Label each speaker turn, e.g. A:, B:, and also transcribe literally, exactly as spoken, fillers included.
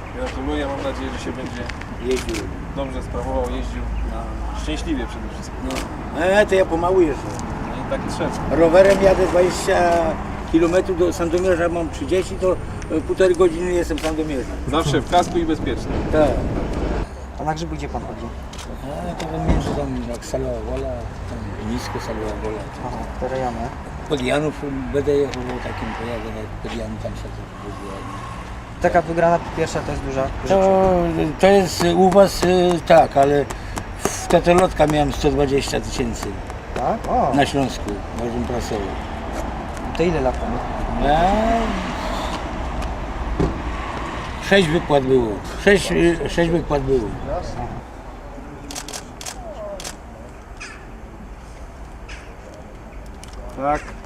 A: Gratuluję, mam nadzieję, że się będzie
B: Jeździł.
A: dobrze sprawował, jeździł szczęśliwie przede wszystkim.
B: No. E, to ja pomału jeżdżę.
A: No i tak trzeba.
B: Rowerem jadę dwadzieścia kilometrów do Sandomierza, mam trzydzieści, to półtorej godziny jestem w Sandomierzu.
A: Zawsze w kasku i bezpiecznie.
B: Tak.
C: A na grzyby gdzie pan chodzi?
B: A to między tam jak Salowa Wola, tam nisko Salowa Wola.
C: Aha, te rejony.
B: Pod Janów będę jechał takim pojazdem, jak pod Janów tam się to
C: Taka wygrana pierwsza to jest duża rzecz.
B: To, to jest u was y, tak, ale w Totolotka miałem sto dwadzieścia tysięcy
C: Tak? O,
B: na Śląsku, możemy prasowy.
C: to ile lat temu?
B: A... Sześć wykład było. Sześć, y, sześć wykład było.
A: Tak.